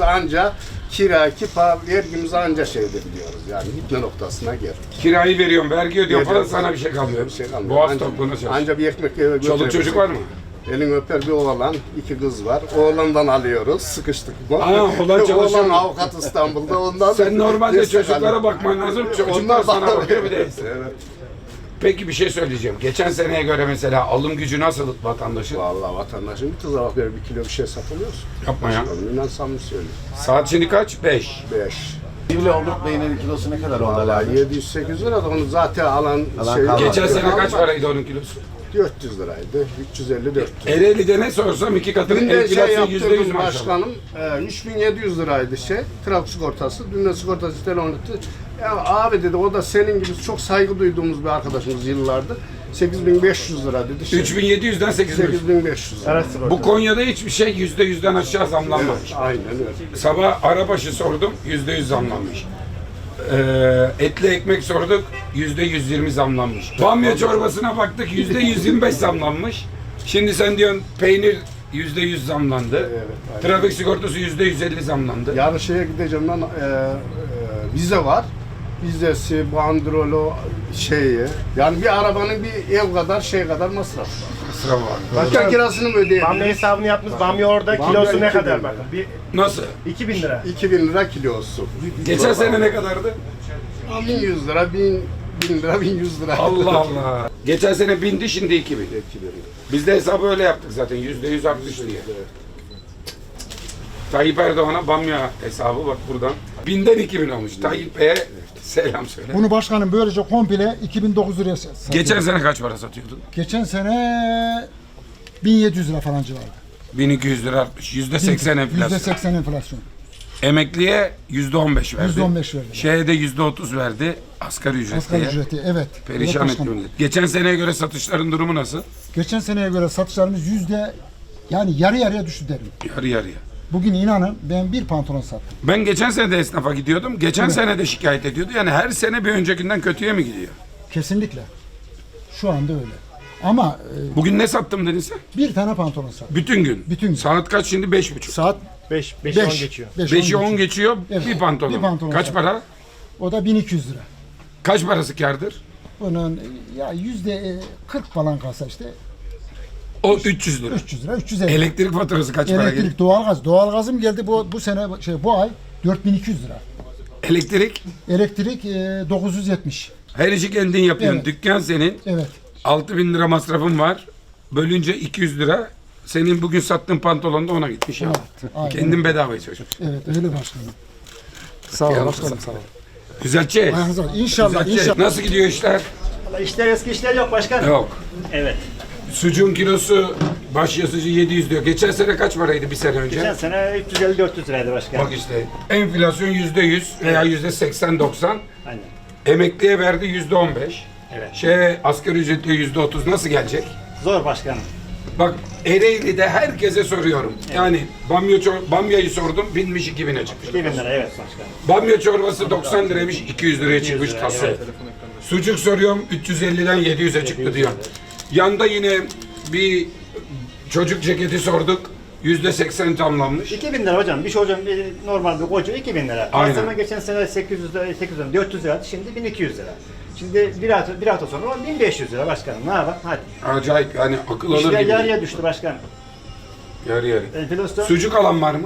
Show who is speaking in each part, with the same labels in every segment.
Speaker 1: anca kira, kipa, vergimizi anca şey edebiliyoruz. Yani gitme noktasına geldik.
Speaker 2: Kirayı veriyorum, vergi ödüyorum falan,
Speaker 1: Veriyoruz.
Speaker 2: sana bir şey kalmıyor.
Speaker 1: Bir şey kalmıyor.
Speaker 2: Boğaz
Speaker 1: Anca-
Speaker 2: topluğuna çalış.
Speaker 1: Anca bir ekmek eve
Speaker 2: Çoluk
Speaker 1: götürebiliriz.
Speaker 2: çocuk var mı?
Speaker 1: Elin öper bir oğlan, 2 kız var. Oğlandan alıyoruz, sıkıştık.
Speaker 2: Aa, oğlan çalışıyor.
Speaker 1: Oğlan avukat İstanbul'da, ondan
Speaker 2: Sen normalde
Speaker 1: destek
Speaker 2: çocuklara
Speaker 1: alıyor.
Speaker 2: bakman lazım, çocuklar
Speaker 1: Onlar
Speaker 2: sana
Speaker 1: bana
Speaker 2: bakıyor bir de.
Speaker 1: Evet.
Speaker 2: Peki bir şey söyleyeceğim. Geçen seneye göre mesela alım gücü nasıl vatandaşın?
Speaker 1: Vallahi vatandaşın bir tuzak ver, 1 kilo bir şey satılıyorsun.
Speaker 2: Yapma ya.
Speaker 1: İnan samimi söylüyorum.
Speaker 2: Saat şimdi kaç? 5.
Speaker 1: 5.
Speaker 3: Sivri olduk beynin kilosu ne kadar oldu?
Speaker 1: Vallahi 700-800 lira da onu zaten alan şey...
Speaker 3: kalmadı.
Speaker 2: Geçen sene kaç paraydı onun kilosu?
Speaker 1: 400 liraydı. 350-400.
Speaker 2: Ereğli'de ne sorsam iki katının
Speaker 1: Dünden şey
Speaker 2: enflasyon %100
Speaker 1: yaptırdım
Speaker 2: maşallah.
Speaker 1: başkanım. 3700 liraydı trafik sigortası. Dünden sigortası telefon etti. Ya abi dedi, o da senin gibi çok saygı duyduğumuz bir arkadaşımız yıllardır. 8500 lira dedi.
Speaker 2: 3700'den 8500.
Speaker 1: 8500 lira.
Speaker 2: Bu Konya'da hiçbir şey %100'den aşağı zamlanmamış.
Speaker 1: Aynen öyle.
Speaker 2: Sabah arabaşı sordum, %100 zamlanmış. Etli ekmek sorduk, %120 zamlanmış. Bamya çorbasına baktık, %125 zamlanmış. Şimdi sen diyorsun peynir %100 zamlandı.
Speaker 1: Evet, aynen.
Speaker 2: Trafik sigortası %150 zamlandı.
Speaker 1: Yarın şeye gideceğim lan, vize var. Vizesi, bandrolu, şeyi. Yani bir arabanın bir ev kadar şey kadar masraf.
Speaker 2: Sıra var.
Speaker 1: Başka kirasını mı ödeyebilir?
Speaker 4: Bamya hesabını yapmış. Bamya orada
Speaker 1: Bamya
Speaker 4: kilosu ne
Speaker 1: 2000
Speaker 4: kadar
Speaker 1: lira.
Speaker 4: bakın. Bir
Speaker 2: Nasıl?
Speaker 4: 2000 lira.
Speaker 1: 2000 lira kilosu.
Speaker 2: Geçen sene ne kadardı?
Speaker 1: 1100 lira, 1000 lira, 1100 lira.
Speaker 2: Allah Allah. Geçen sene 1000'di, şimdi 2000.
Speaker 1: 2000.
Speaker 2: Biz de hesabı öyle yaptık zaten, %100 artmış diye. Tayyip Erdoğan'a bamya hesabı bak buradan. 1000'den 2000 olmuş. Tayyip Bey'e selam söyle.
Speaker 5: Bunu başkanım böylece komple 2009 liraya satıyor.
Speaker 2: Geçen sene kaç para satıyordun?
Speaker 5: Geçen sene 1700 lira falan civarı.
Speaker 2: 1200 lira artmış. %80 enflasyon.
Speaker 5: %80 enflasyon.
Speaker 2: Emekliye %15 verdi.
Speaker 5: %15 verdi.
Speaker 2: Şeye de %30 verdi. Asgari ücretliye.
Speaker 5: Asgari ücreti evet.
Speaker 2: Perişan
Speaker 5: Evet
Speaker 2: etti
Speaker 5: başkanım.
Speaker 2: millet. Geçen seneye göre satışların durumu nasıl?
Speaker 5: Geçen seneye göre satışlarımız yani yarı yarıya düştü derim.
Speaker 2: Yarı yarıya.
Speaker 5: Bugün inanın ben bir pantolon sattım.
Speaker 2: Ben geçen sene de esnafa gidiyordum. Geçen sene de şikayet ediyordu. Yani her sene bir öncekinden kötüye mi gidiyor?
Speaker 5: Kesinlikle. Şu anda öyle. Ama
Speaker 2: Bugün ne sattım dedin sen?
Speaker 5: bir tane pantolon sattım.
Speaker 2: Bütün gün.
Speaker 5: Bütün gün.
Speaker 2: Saat kaç şimdi? 5.30.
Speaker 5: Saat
Speaker 4: 5'e 10 geçiyor.
Speaker 2: 5'i 10 geçiyor.
Speaker 5: Evet,
Speaker 2: Bir pantolon.
Speaker 5: bir pantolon
Speaker 2: Kaç
Speaker 5: sattım.
Speaker 2: para?
Speaker 5: O da 1200 lira.
Speaker 2: Kaç parası kârdır?
Speaker 5: Bunun ya %40 falan kalsa işte
Speaker 2: O 300 lira.
Speaker 5: 300 lira, 350.
Speaker 2: Elektrik faturası kaç para geliyor?
Speaker 5: Elektrik, doğalgaz. Doğalgazım geldi bu sene bu ay 4200 lira.
Speaker 2: Elektrik
Speaker 5: Elektrik 970.
Speaker 2: her işi kendin yapıyorsun.
Speaker 5: Evet.
Speaker 2: Dükkan senin.
Speaker 5: Evet.
Speaker 2: 6000 lira masrafın var. Bölünce 200 lira. Senin bugün sattığın pantolon da ona gitmiş ya.
Speaker 5: Evet, aynen.
Speaker 2: Kendin bedava içiyorsun.
Speaker 5: Evet öyle başkanım. Sağ ol başkanım sağ ol.
Speaker 2: Güzelce.
Speaker 5: Ayağınıza İnşallah
Speaker 2: Güzelce.
Speaker 5: inşallah.
Speaker 2: Nasıl gidiyor işler?
Speaker 4: İşler eski işler yok başkanım.
Speaker 2: Yok.
Speaker 4: Evet.
Speaker 2: Sucuğun kilosu baş yazıcı 700 diyor. Geçen sene kaç paraydı bir sene önce?
Speaker 4: Geçen sene 350-400 liraydı başkanım.
Speaker 2: Bak işte enflasyon %100 veya %80-90.
Speaker 4: Aynen.
Speaker 2: Emekliye verdi %15.
Speaker 4: Evet.
Speaker 2: Asgari ücretli %30 nasıl gelecek?
Speaker 4: Zor başkanım.
Speaker 2: Bak Ereğli'de herkese soruyorum. Yani bamyayı sordum, binmiş 2000'e çıkmış.
Speaker 4: 2000 lira evet başkanım.
Speaker 2: Bamya çorbası 90 liraymış, 200 liraya çıkmış
Speaker 4: 200 lira,
Speaker 2: kası.
Speaker 4: evet.
Speaker 2: Sucuk soruyorum, 350'den 700'e çıktı diyor. Yanda yine bir çocuk ceketi sorduk, %80 tamlanmış.
Speaker 4: 2000 lira hocam. Bir şey hocam normal bir koca 2000 lira.
Speaker 2: Aynen.
Speaker 4: Aslında geçen sene 800 lira, 400 liraydı. Şimdi 1200 lira. Şimdi bir hafta sonra 1500 lira başkanım. Ne yapalım? Hadi.
Speaker 2: Acayip yani akıl alır
Speaker 4: İşler
Speaker 2: gibi.
Speaker 4: yarıya düştü başkanım.
Speaker 2: Yarı yarı.
Speaker 4: Enflasyon.
Speaker 2: Sucuk alan var mı?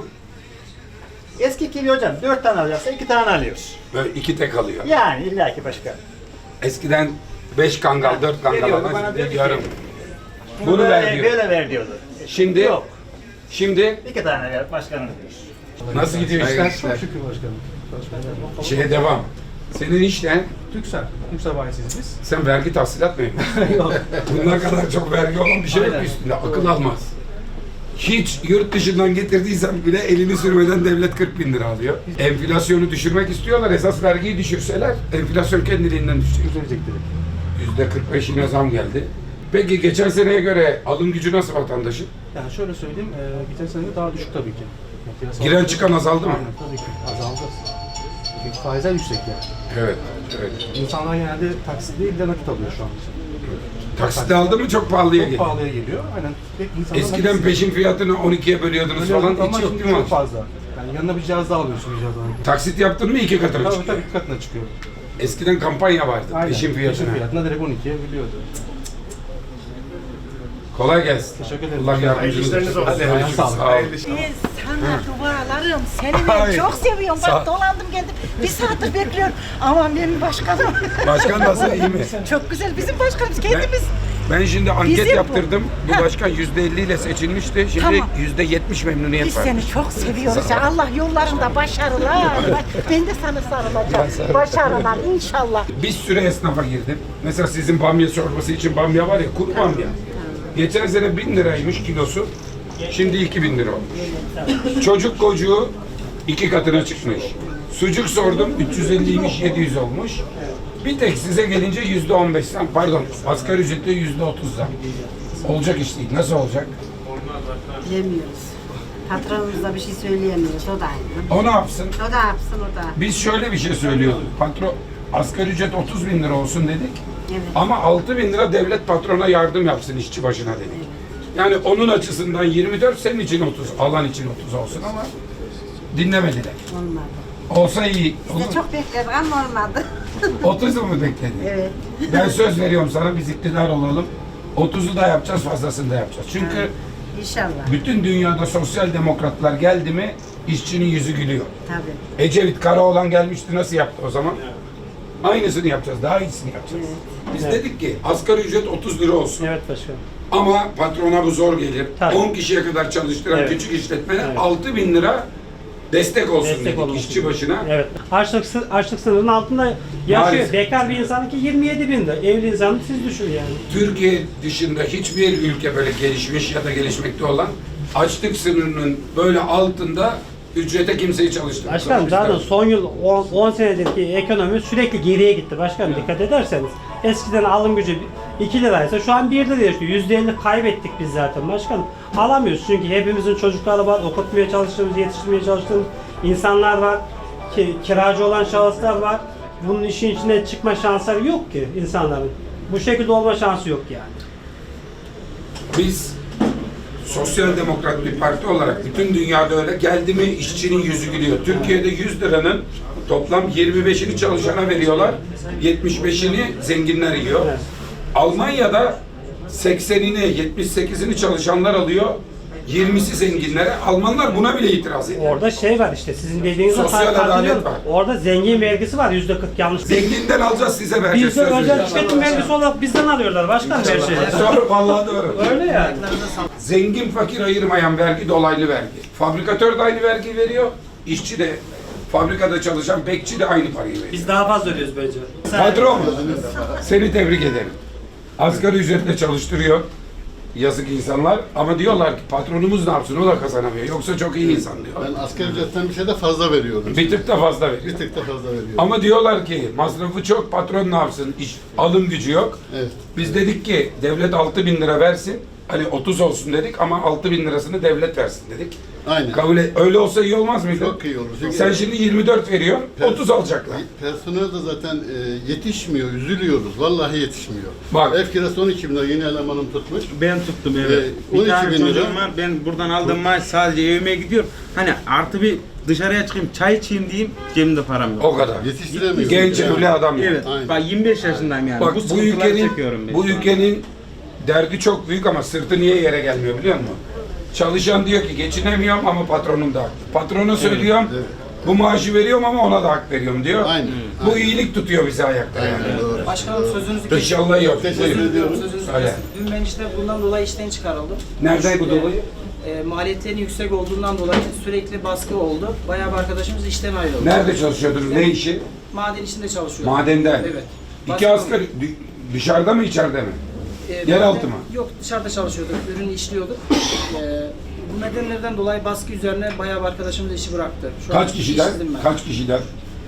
Speaker 4: Eski gibi hocam 4 tane alacaksa 2 tane alıyoruz.
Speaker 2: Böyle 2 tek alıyor.
Speaker 4: Yani illaki başkanım.
Speaker 2: Eskiden 5 kangal, 4 kangal
Speaker 4: Veriyordu, bana
Speaker 2: alan,
Speaker 4: diyor ki,
Speaker 2: yarım. Bunu ver diyor.
Speaker 4: Böyle ver diyordu.
Speaker 2: Şimdi,
Speaker 4: Yok.
Speaker 2: şimdi
Speaker 4: 2 tane ver başkanım diyor.
Speaker 2: nasıl gidiyor işler?
Speaker 6: Çok şükür başkanım.
Speaker 2: Şeye devam. Senin işten
Speaker 6: Türksel bayisiyiz biz.
Speaker 2: sen vergi tahsilat mı yapıyorsun? Bunlar kadar çok vergi olan bir şey yok
Speaker 6: Aynen.
Speaker 2: üstünde. Akıl almaz. Hiç yurt dışından getirdiysen bile elini sürmeden devlet 40 bin lira alıyor. Enflasyonu düşürmek istiyorlar. Esas vergiyi düşürseler enflasyon kendiliğinden düşecek.
Speaker 6: Düzelecek dedik.
Speaker 2: %45'ine zam geldi. Peki geçen seneye göre alım gücü nasıl vatandaşın?
Speaker 6: Yani şöyle söyleyeyim, geçen sene daha düşük tabii ki. Yani piyasa-
Speaker 2: Giren çıkan azaldı mı?
Speaker 6: Aynen tabii ki azaldı. Çünkü faizler yüksek yani.
Speaker 2: Evet, evet.
Speaker 6: İnsanlar genelde taksit değil de nakit alıyor şu an için.
Speaker 2: Taksitle aldı mı çok pahalıya
Speaker 6: Çok
Speaker 2: geliyor.
Speaker 6: pahalıya geliyor. Aynen. Pek insanlar
Speaker 2: Eskiden
Speaker 6: nakit-
Speaker 2: peşin fiyatını 12'ye bölüyordunuz
Speaker 6: Öyle
Speaker 2: falan
Speaker 6: ama
Speaker 2: hiç yok
Speaker 6: şimdi
Speaker 2: değil mi?
Speaker 6: çok fazla. Yani Yani yanına bir cihaz daha alıyorsun icabında.
Speaker 2: Taksit yaptın mı 2 katına
Speaker 6: Tabii
Speaker 2: çıkıyor.
Speaker 6: tabii katına çıkıyor.
Speaker 2: Eskiden kampanya vardı.
Speaker 6: Aynen.
Speaker 2: Peşin fiyatına.
Speaker 6: Peşin fiyatına direkt 12'ye biliyordu.
Speaker 2: Kolay gelsin.
Speaker 6: Teşekkür ederim.
Speaker 2: Allah yardımcınız
Speaker 1: işleriniz
Speaker 2: olsun.
Speaker 1: olsun.
Speaker 2: Hadi
Speaker 6: Ayağın sağlık.
Speaker 2: sağ olun.
Speaker 7: Sana dualarım. Seni
Speaker 2: Hayır.
Speaker 7: ben çok seviyorum.
Speaker 2: Sağ ol.
Speaker 7: Bak dolandım geldim. Bir saattir bekliyorum. Aman benim başkanım.
Speaker 2: Başkan nasıl, iyi mi?
Speaker 7: Çok güzel. Bizim başkanımız kendimiz.
Speaker 2: Ben şimdi anket
Speaker 7: Bizim bu.
Speaker 2: yaptırdım. Bu başkan %50 ile seçilmişti. Şimdi
Speaker 7: Tamam.
Speaker 2: %70 memnuniyet
Speaker 7: Biz
Speaker 2: var.
Speaker 7: seni çok seviyoruz. Ya. Allah yollarında başarılar. Bak, ben de sana sarılacağım. Başarılar inşallah.
Speaker 2: Bir sürü esnafa girdim. Mesela sizin bamya çorbası için bamya var ya, kuru bamya. Geçen sene 1000 liraymış kilosu. Şimdi 2000 lira olmuş. Çocuk kocuğu 2 katına çıkmış. Sucuk sordum 350'ymiş 700 olmuş. Bir tek size gelince %15 zam, pardon asgari ücretle %30 zam. Olacak iş değil. Nasıl olacak?
Speaker 8: Bilemiyoruz. Patronumuz da bir şey söyleyemiyoruz. O da aynı.
Speaker 2: O ne yapsın?
Speaker 8: O da yapsın o da.
Speaker 2: Biz şöyle bir şey söylüyorduk. Patron asgari ücret 30 bin lira olsun dedik.
Speaker 8: Evet.
Speaker 2: Ama 6 bin lira devlet patrona yardım yapsın işçi başına dedik. Yani onun açısından 24, senin için 30, alan için 30 olsun ama dinlemediler.
Speaker 8: Olmadı.
Speaker 2: Olsa iyi.
Speaker 8: Biz de çok bekledik ama olmadı.
Speaker 2: 30 mu bekledin?
Speaker 8: Evet.
Speaker 2: Ben söz veriyorum sana, biz iktidar olalım. 30'u da yapacağız, fazlasını da yapacağız. Çünkü
Speaker 8: İnşallah.
Speaker 2: bütün dünyada sosyal demokratlar geldi mi işçinin yüzü gülüyor.
Speaker 8: Tabii.
Speaker 2: Ecevit Karaoğlan gelmişti, nasıl yaptı o zaman? Aynısını yapacağız, daha iyisini yapacağız. Biz dedik ki asgari ücret 30 lira olsun.
Speaker 6: Evet başkanım.
Speaker 2: Ama patrona bu zor gelir.
Speaker 6: Tabii.
Speaker 2: 10 kişiye kadar çalıştıran
Speaker 6: Evet.
Speaker 2: küçük işletmene
Speaker 6: Evet.
Speaker 2: 6 bin lira destek olsun
Speaker 6: Destek
Speaker 2: dedik
Speaker 6: olması
Speaker 2: işçi
Speaker 6: gibi.
Speaker 2: başına.
Speaker 6: Evet. Açlık sınırının altında yaşıyor.
Speaker 2: Maalesef.
Speaker 6: Bekar bir insanın ki 27 bin lira. Evli insanı siz düşün yani.
Speaker 2: Türkiye dışında hiçbir ülke böyle gelişmiş ya da gelişmekte olan açlık sınırının böyle altında ücrete kimseyi çalıştırmıyor.
Speaker 6: Başkanım zaten son yıl 10 senedirki ekonomi sürekli geriye gitti başkanım dikkat ederseniz. Eskiden alım gücü 2 liraysa şu an 1 lira yaşıyor. %50 kaybettik biz zaten başkanım. Alamıyoruz çünkü hepimizin çocukları var, okutmaya çalıştığımız, yetiştirmeye çalıştığımız insanlar var. Kiracı olan şahıslar var. Bunun işin içine çıkma şansları yok ki insanların. Bu şekilde olma şansı yok yani.
Speaker 2: Biz sosyal demokrat bir parti olarak bütün dünyada öyle geldi mi işçinin yüzü gülüyor. Türkiye'de 100 liranın toplam 25'ini çalışana veriyorlar, 75'ini zenginler yiyor.
Speaker 6: Evet.
Speaker 2: Almanya'da 80'ini, 78'ini çalışanlar alıyor, 20'si zenginlere. Almanlar buna bile itiraz ediyor.
Speaker 6: Orada şey var işte sizin dediğinizde
Speaker 2: Sosyal adalet var.
Speaker 6: Orada zengin vergisi var %40 yanlış.
Speaker 2: Zenginden alacağız, size vereceğiz.
Speaker 6: Bizde
Speaker 2: söz
Speaker 6: özel
Speaker 2: veriyorum.
Speaker 6: işletim vergisi olarak bizden alıyorlar başkan her şeyi.
Speaker 2: Doğru, vallahi doğru.
Speaker 6: Öyle yani.
Speaker 2: Zengin fakir ayırmayan vergi dolaylı vergi. Fabrikatör de aynı vergi veriyor, işçi de, fabrikada çalışan bekçi de aynı parayı veriyor.
Speaker 6: Biz daha fazla ödüyoruz bence.
Speaker 2: Patron, seni tebrik ederim. Asgari ücretle çalıştırıyor. Yazık insanlar ama diyorlar ki patronumuz ne yapsın, o da kazanamıyor. Yoksa çok iyi insan diyor.
Speaker 9: Ben asgari ücretten bir şey de fazla veriyorum.
Speaker 2: Bir tık da fazla veriyor.
Speaker 9: Bir tık da fazla veriyorum.
Speaker 2: Ama diyorlar ki masrafı çok, patron ne yapsın, alım gücü yok.
Speaker 9: Evet.
Speaker 2: Biz dedik ki devlet 6 bin lira versin. Hani 30 olsun dedik ama 6 bin lirasını devlet versin dedik.
Speaker 9: Aynen.
Speaker 2: Kabul et. Öyle olsa iyi olmaz mıydı?
Speaker 9: Çok iyi olur. Çünkü
Speaker 2: Sen şimdi 24 veriyorsun, 30 alacaklar.
Speaker 9: personel de zaten yetişmiyor, üzülüyoruz. Vallahi yetişmiyor.
Speaker 2: Bak.
Speaker 9: Ev kirası 12 bin lira, yeni elemanım tutmuş.
Speaker 10: Ben tuttum evet.
Speaker 9: 12
Speaker 10: Bir tane
Speaker 9: bin lira.
Speaker 10: çocuğum var. Ben buradan aldığım maaş sadece evime gidiyorum. Hani artı bir dışarıya çıkayım, çay içeyim diyeyim, cebimde param yok.
Speaker 2: O kadar.
Speaker 9: Yetiştiremiyoruz.
Speaker 2: Genç evli adam.
Speaker 10: Evet.
Speaker 9: Aynen.
Speaker 10: Bak 25 yaşındayım yani.
Speaker 2: Bak
Speaker 10: bu
Speaker 2: bu
Speaker 10: sıkıntıları
Speaker 2: ülkenin
Speaker 10: çekiyorum ben.
Speaker 2: bu ülkenin derdi çok büyük ama sırtı niye yere gelmiyor biliyor musun? Çalışan diyor ki geçinemiyorum ama patronum da haklı. Patrona söylüyorum bu maaşı veriyorum ama ona da hak veriyorum diyor.
Speaker 9: Aynen.
Speaker 2: Bu iyilik tutuyor bizi ayakta yani.
Speaker 9: Aynen doğru.
Speaker 11: Başkanım sözünüzü
Speaker 2: İnşallah yok.
Speaker 9: Teşekkür
Speaker 2: Buyurun.
Speaker 9: ediyorum.
Speaker 11: Sözünüzü
Speaker 2: Öyle.
Speaker 11: Dün ben işte bundan dolayı işten çıkarıldım.
Speaker 2: Nereden bu dolayı?
Speaker 11: Maliyetlerin yüksek olduğundan dolayı sürekli baskı oldu. Bayağı bir arkadaşımız işten ayrıldı.
Speaker 2: Nerede çalışıyordunuz? Ne işi?
Speaker 11: Maden içinde çalışıyor.
Speaker 2: Madenden.
Speaker 11: Evet.
Speaker 2: İki
Speaker 11: Başka-
Speaker 2: asgari dışarıda mı içeride mi? Yeraltı mı?
Speaker 11: Yok, dışarıda çalışıyorduk, ürünü işliyorduk. Bu nedenlerden dolayı baskı üzerine bayağı bir arkadaşımız işi bıraktı. Şu an
Speaker 2: Kaç kişiden?
Speaker 11: işsizim ben.
Speaker 2: Kaç kişiden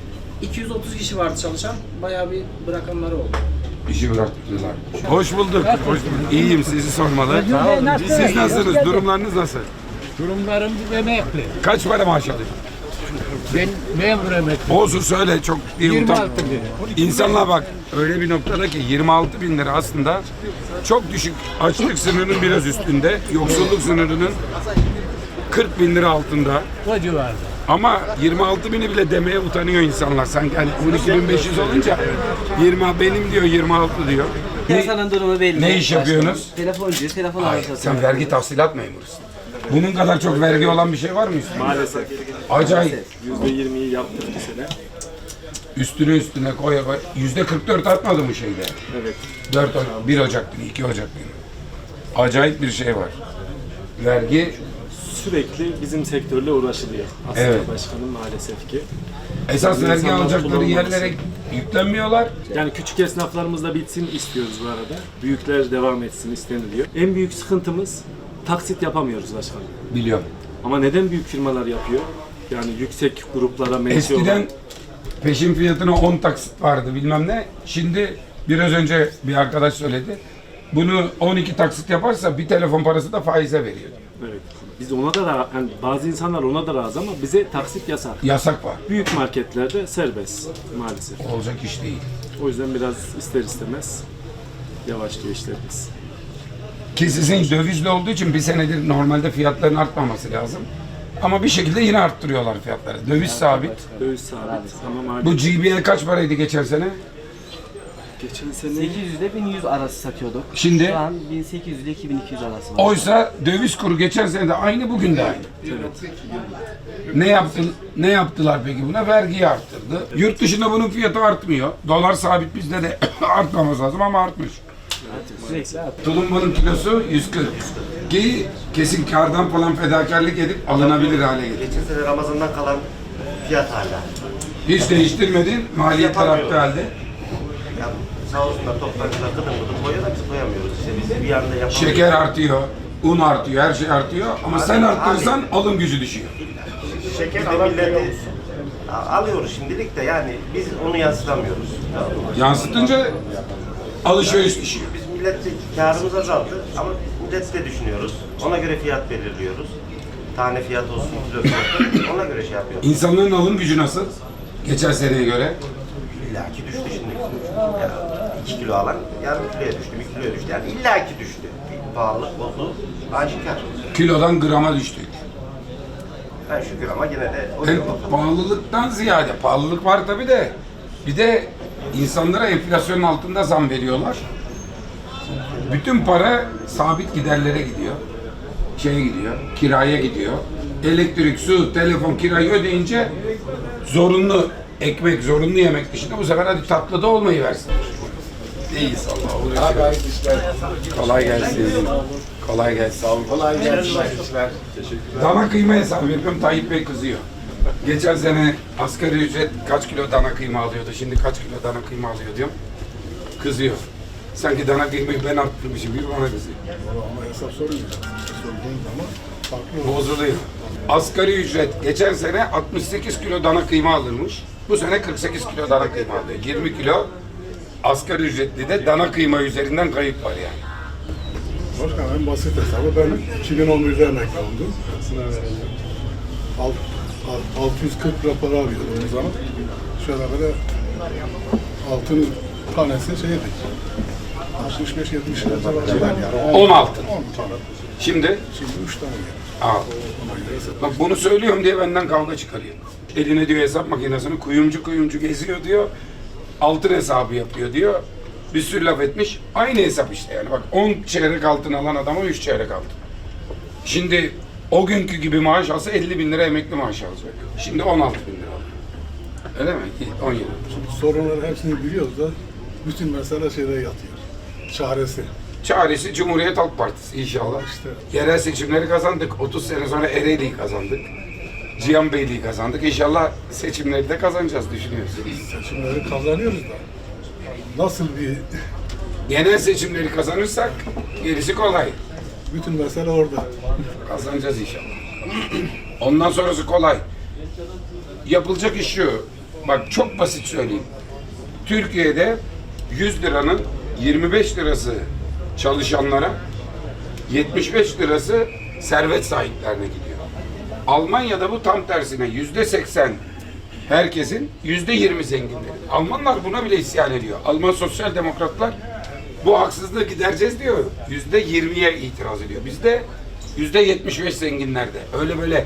Speaker 11: 230 kişi vardı çalışan, bayağı bir bırakanları oldu.
Speaker 2: işi bıraktılar? Hoş bulduk. Hoş bulduk. İyiyim, sizi sormalı. Siz nasılsınız? Durumlarınız nasıl?
Speaker 12: Durumlarım emekli.
Speaker 2: Kaç para maaş alıyorsun?
Speaker 12: Ben memur emekli.
Speaker 2: Olsun söyle, çok iyi
Speaker 12: 26
Speaker 2: utan.
Speaker 12: lira.
Speaker 2: İnsanlar bak öyle bir noktada ki 26 bin lira aslında çok düşük, açlık sınırının biraz üstünde, yoksulluk sınırının 40 bin lira altında.
Speaker 12: O civarda.
Speaker 2: Ama 26.000'i bile demeye utanıyor insanlar. Sanki hani 12.500 olunca 20 benim diyor 26 diyor.
Speaker 11: Piyasanın durumu belli.
Speaker 2: Ne iş yapıyorsunuz?
Speaker 11: Telefoncu, telefon
Speaker 2: Hayır, sen vergi tahsilat memurusun. Bunun kadar çok vergi olan bir şey var mı üstüne?
Speaker 13: Maalesef.
Speaker 2: Acayip.
Speaker 13: %20'yi yaptık bir sene.
Speaker 2: Üstüne koya koy. %44 artmadı mı şeyde?
Speaker 13: Evet.
Speaker 2: 1 Ocak günü, 2 Ocak günü. Acayip bir şey var. Vergi
Speaker 13: Sürekli bizim sektörle uğraşılıyor. Aslında
Speaker 2: Evet.
Speaker 13: başkanım maalesef ki.
Speaker 2: esas vergi
Speaker 13: İnsanlar
Speaker 2: alacakları
Speaker 13: kullanılması.
Speaker 2: yerlere yüklenmiyorlar.
Speaker 13: Yani küçük esnaflarımız da bitsin istiyoruz bu arada. Büyükler devam etsin isteniliyor. En büyük sıkıntımız taksit yapamıyoruz başkanım.
Speaker 2: Biliyorum.
Speaker 13: Ama neden büyük firmalar yapıyor? Yani yüksek gruplara mensup olan.
Speaker 2: Eskiden peşin fiyatına 10 taksit vardı bilmem ne. Şimdi biraz önce bir arkadaş söyledi. Bunu 12 taksit yaparsa bir telefon parası da faize veriyor.
Speaker 13: Evet. Biz ona da yani bazı insanlar ona da razı ama bize taksit yasak.
Speaker 2: Yasak var.
Speaker 13: Büyük marketlerde serbest maalesef.
Speaker 2: Olacak iş değil.
Speaker 13: O yüzden biraz ister istemez yavaşlıyor işlerimiz.
Speaker 2: Ki sizin dövizli olduğu için bir senedir normalde fiyatların artmaması lazım. Ama bir şekilde yine arttırıyorlar fiyatları. Döviz sabit.
Speaker 13: Döviz sabit ama
Speaker 2: Bu
Speaker 13: maliyet.
Speaker 2: GBL kaç paraydı geçen sene?
Speaker 13: Geçen sene
Speaker 11: 800 ile 1100 arası satıyorduk.
Speaker 2: Şimdi?
Speaker 11: Şu an 1800 ile 2200 arası var.
Speaker 2: Oysa döviz kuru geçen sene de aynı, bugün de aynı. Ne yaptılar peki buna? Vergiyi arttırdı. Yurt dışında bunun fiyatı artmıyor. Dolar sabit, bizde de artmaması lazım ama artmış. Tulumbanın kilosu 140. Ki kesin kardan falan fedakarlık edip alınabilir hale getirdi.
Speaker 4: Geçen sene Ramazan'dan kalan fiyat hala.
Speaker 2: Hiç değiştirmedin, maliyetler arttı halde.
Speaker 4: Ya sağ olsunlar toptancılar gıdım gıdım koyuyor da biz koyamıyoruz. İşte biz bir anda yapamıyoruz.
Speaker 2: Şeker artıyor, un artıyor, her şey artıyor ama sen arttırırsan alım gücü düşüyor.
Speaker 4: Şeker milleti alıyoruz şimdilik de yani biz onu yansıtamıyoruz.
Speaker 2: Yansıtınca alışveriş düşüyor.
Speaker 4: Biz millette karımız azaldı ama milleti de düşünüyoruz. Ona göre fiyat belirliyoruz. Tane fiyat olsun, kilo fiyatı ona göre şey yapıyoruz.
Speaker 2: İnsanların alım gücü nasıl? Geçen seneye göre.
Speaker 4: İllaki düştü şimdi. Yani 2 kilo alan yarım kiloya düştü, 1 kiloya düştü. Yani illaki düştü. Bir pahalılık oldu, aşikar.
Speaker 2: Kilodan grama düştük.
Speaker 4: Ben şükür ama yine de o
Speaker 2: Hem
Speaker 4: yok bakalım.
Speaker 2: pahalılıktan ziyade, pahalılık var tabi de bir de insanlara enflasyonun altında zam veriyorlar. Bütün para sabit giderlere gidiyor. Şeye gidiyor, kiraya gidiyor. Elektrik, su, telefon, kirayı ödeyince zorunlu ekmek, zorunlu yemek dışında bu sefer hadi tatlı da olmayı versin. İyiyiz Allah'a uğraşıyoruz. Kolay gelsin. Kolay gelsin. Sağ olun.
Speaker 3: Kolay gelsin.
Speaker 2: Dana kıyma hesabı yapıyorum, Tayyip Bey kızıyor. Geçen sene asgari ücret kaç kilo dana kıyma alıyordu, şimdi kaç kilo dana kıyma alıyor diyorum. Kızıyor. Sanki dana kıymayı ben arttırmışım gibi bana kızıyor.
Speaker 9: Ama hesap sormuyor. Sorduğun zaman farklı olur.
Speaker 2: Bozuluyor. Asgari ücret geçen sene 68 kilo dana kıyma alırmış. Bu sene 48 kilo dana kıyma alıyor. 20 kilo asgari ücretli de dana kıyma üzerinden kayıp var yani.
Speaker 9: Başkanım en basit hesabı ben 2011'de emekli oldum. 640 lira para alıyordum o zaman. Şöyle böyle altın tanesi şeydi. 65-70 lira civarı yani.
Speaker 2: 10 altın.
Speaker 9: 10 tane.
Speaker 2: Şimdi
Speaker 9: Şimdi 3 tane geldi.
Speaker 2: al. Bak bunu söylüyorum diye benden kavga çıkarıyor. Eline diyor hesap makinesini kuyumcu geziyor diyor. Altın hesabı yapıyor diyor. Bir sürü laf etmiş. Aynı hesap işte yani. Bak 10 çeyrek altın alan adama 3 çeyrek altın. Şimdi o günkü gibi maaş alsa 50 bin lira emekli maaşı alacak. Şimdi 16 bin lira alıyor. Öyle mi? 10 yıl.
Speaker 9: Şimdi sorunları hepsini biliyoruz da bütün mesele şeyde yatıyor. Çaresi.
Speaker 2: Çaresi Cumhuriyet Halk Partisi inşallah.
Speaker 9: İşte.
Speaker 2: Yerel seçimleri kazandık. 30 sene sonra Ereğli'yi kazandık. Cihanbeyli'yi kazandık. İnşallah seçimleri de kazanacağız düşünüyoruz.
Speaker 9: Seçimleri kazanıyoruz da nasıl bir
Speaker 2: Genel seçimleri kazanırsak gerisi kolay.
Speaker 9: bütün mesele orada.
Speaker 2: Kazanacağız inşallah. Ondan sonrası kolay. Yapılacak iş şu. Bak çok basit söyleyeyim. Türkiye'de 100 liranın 25 lirası çalışanlara, 75 lirası servet sahiplerine gidiyor. Almanya'da bu tam tersine %80 herkesin, %20 zenginlerin. Almanlar buna bile isyan ediyor. Alman sosyal demokratlar bu haksızlığı gidereceğiz diyor. %20'ye itiraz ediyor. Bizde %75 zenginlerde. Öyle böyle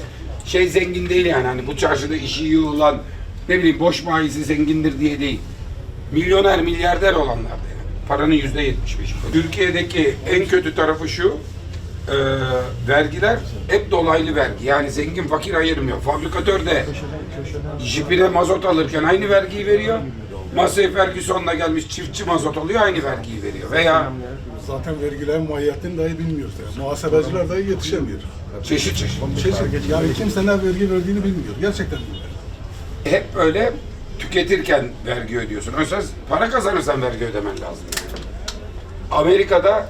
Speaker 2: şey zengin değil yani. Hani bu çarşıda işi iyi olan, ne bileyim boş bayisi zengindir diye değil. Milyoner, milyarder olanlar da yani. Paranın %75'i. Türkiye'deki en kötü tarafı şu, vergiler hep dolaylı vergi. Yani zengin fakir ayırmıyor. Fabrikatör de jipine mazot alırken aynı vergiyi veriyor. Masaya Ferguson'la gelmiş çiftçi mazot alıyor, aynı vergiyi veriyor. Veya
Speaker 9: Zaten vergilerin mahiyetini dahi bilmiyoruz. Yani. Muhasebeciler dahi yetişemiyor.
Speaker 2: çeşit.
Speaker 9: Yani kimse ne vergi verdiğini bilmiyor. Gerçekten bilmiyor.
Speaker 2: Hep böyle tüketirken vergi ödüyorsun. Oysa para kazanırsan vergi ödemen lazım. Amerika'da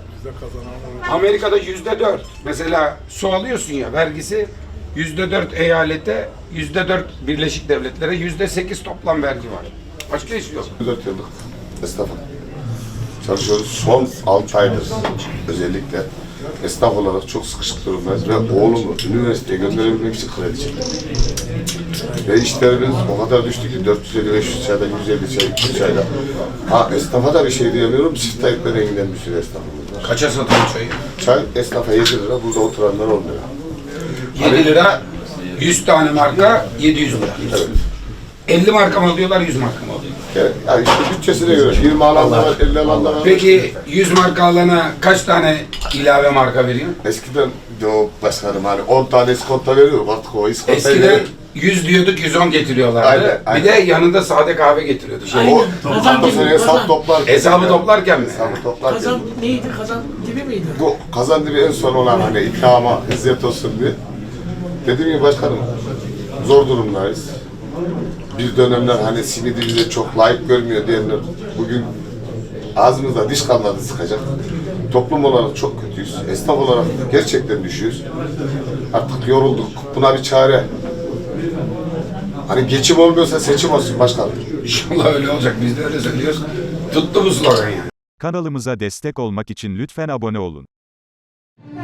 Speaker 2: %4. Mesela su alıyorsun ya, vergisi %4 eyalete, %4 Birleşik Devletlere, %8 toplam vergi var. Başka hiç yok.
Speaker 14: 4 yıllık esnafım. Çalışıyoruz. Son 6 aydır özellikle esnaf olarak çok sıkışık durumdayız ve oğlumu üniversiteye gönderebilmek için kredi çektim. Ve işlerimiz o kadar düştü ki 450-500 çaydan 150 çay, 200 çayla. Ha, esnafa da bir şey diyemiyorum. Çift Tayyip renginden bir sürü esnafımız var.
Speaker 2: Kaça satıyor çayı?
Speaker 14: Çay esnafa 7 lira, burada oturanlar 10 lira.
Speaker 2: 7 lira, 100 tane marka 700 lira.
Speaker 14: Evet.
Speaker 2: 50 marka mı alıyorlar, 100 marka mı alıyorlar?
Speaker 14: Yani işte bütçesine göre 20 alan da var, 50 alan da var.
Speaker 2: Peki 100 marka alana kaç tane ilave marka veriyor?
Speaker 14: Eskiden yok başkanım hani 10 tane iskonto veriyor, artık o iskontayı
Speaker 2: Eskiden 100 diyorduk, 110 getiriyorlardı.
Speaker 14: Aynen.
Speaker 2: Bir de yanında sade kahve getiriyordu.
Speaker 14: O sene hesap toplar.
Speaker 2: Hesabı toplarken mi?
Speaker 14: Hesabı toplarken.
Speaker 11: Kazan neydi? Kazan dibi miydi?
Speaker 14: Bu kazan dibi en son olan hani ikrama hizmet olsun diye. Dediğim gibi başkanım zor durumdayız. Bir dönemler hani simidi bize çok layık görmüyor diyenler bugün ağzımızda diş kalmadı sıkacak. Toplum olarak çok kötüyüz. Esnaf olarak gerçekten düşüyoruz. Artık yorulduk. Buna bir çare. Hani geçim olmuyorsa seçim olsun başkanım.
Speaker 2: İnşallah öyle olacak. Biz de öyle söylüyoruz. Tuttu bu slogan yani.
Speaker 15: Kanalımıza destek olmak için lütfen abone olun.